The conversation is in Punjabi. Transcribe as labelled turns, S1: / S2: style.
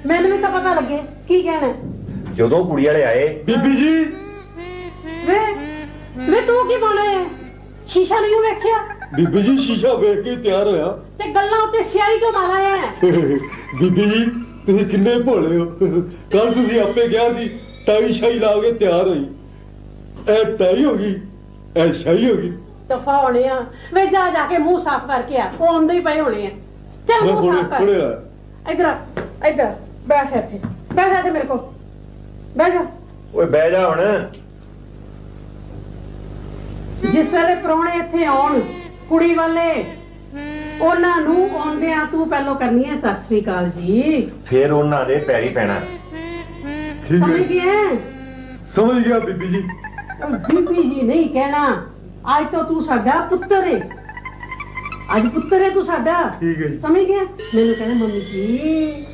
S1: ਮੈਨੂੰ ਵੀ ਤਾਂ ਪਤਾ ਲੱਗੇ ਕੀ ਕਹਿਣਾ।
S2: ਜਦੋਂ ਕੁੜੀ ਵਾਲੇ ਆਏ,
S3: ਬੀਬੀ ਜੀ
S1: ਵੇ ਵੇ ਤੂੰ ਕੀ ਬੋਲੇ? ਸ਼ੀਸ਼ਾ ਨਹੀਂ ਵੇਖਿਆ?
S3: ਬੀਬੀ ਜੀ ਸ਼ੀਸ਼ਾ ਵੇਖ ਕੇ ਤਿਆਰ ਹੋਇਆ।
S1: ਤੇ ਗੱਲਾਂ ਉੱਤੇ ਸਿਆਹੀ ਕਿਉਂ ਮਾਰਾ ਹੈ?
S3: ਬੀਬੀ ਜੀ ਤੁਸੀਂ ਕਿੰਨੇ ਭੋਲੇ ਹੋ। ਕੱਲ ਤੁਸੀਂ ਆਪੇ ਕਿਹਾ ਸੀ ਟਾਈ ਸ਼ਾਈ ਲਾ ਕੇ ਤਿਆਰ ਹੋਈ। ਇਹ ਟਾਈ ਹੋ ਗਈ, ਇਹ ਸ਼ਾਈ ਹੋ ਗਈ।
S1: ਦਫਾ ਹੋਣੇ ਆ। ਵੇ ਜਾ ਜਾ ਕੇ ਮੂੰਹ ਸਾਫ਼ ਕਰਕੇ ਆ, ਉਹ ਆਉਂਦੇ ਹੀ ਪਏ ਹੋਣੇ ਆ। ਚੱਲ
S3: ਮੈਂ
S1: ਮੂੰਹ ਸਾਫ਼ ਕਰ।
S3: ਹੁਣੇ ਆਇਆ।
S1: ਇੱਧਰ ਬੈਠ ਇੱਥੇ, ਬੈਠ ਇੱਥੇ ਮੇਰੇ ਕੋਲ ਬਹਿ ਜਾ।
S2: ਓਏ ਬਹਿ ਜਾ ਹੁਣ।
S1: ਜਿਸ ਵੇਲੇ ਪ੍ਰਾਹੁਣੇ ਇੱਥੇ ਆਉਣ ਕੁੜੀ ਵਾਲੇ, ਉਹਨਾਂ ਨੂੰ ਆਉਂਦਿਆਂ ਤੂੰ ਪਹਿਲੋਂ ਕਰਨੀ ਹੈ ਸਤਿ ਸ੍ਰੀ ਅਕਾਲ ਜੀ।
S2: ਫਿਰ ਉਹਨਾਂ ਦੇ ਪੈਰੀ ਪੈਣਾ।
S3: ਠੀਕ
S1: ਸਮਝ
S3: ਹੈ,
S1: ਗਿਆ?
S3: ਸਮਝ ਗਿਆ ਬੀਬੀ ਜੀ।
S1: ਬੀਬੀ ਜੀ ਨਹੀਂ ਕਹਿਣਾ, ਅੱਜ ਤੋਂ ਤੂੰ ਸਾਡਾ ਪੁੱਤਰ ਹੈ। ਅੱਜ ਪੁੱਤਰ ਹੈ ਤੂੰ ਸਾਡਾ।
S3: ਠੀਕ ਹੈ ਜੀ।
S1: ਸਮਝ ਗਿਆ? ਮੈਨੂੰ ਕਹਿਣਾ ਮੰਮੀ ਜੀ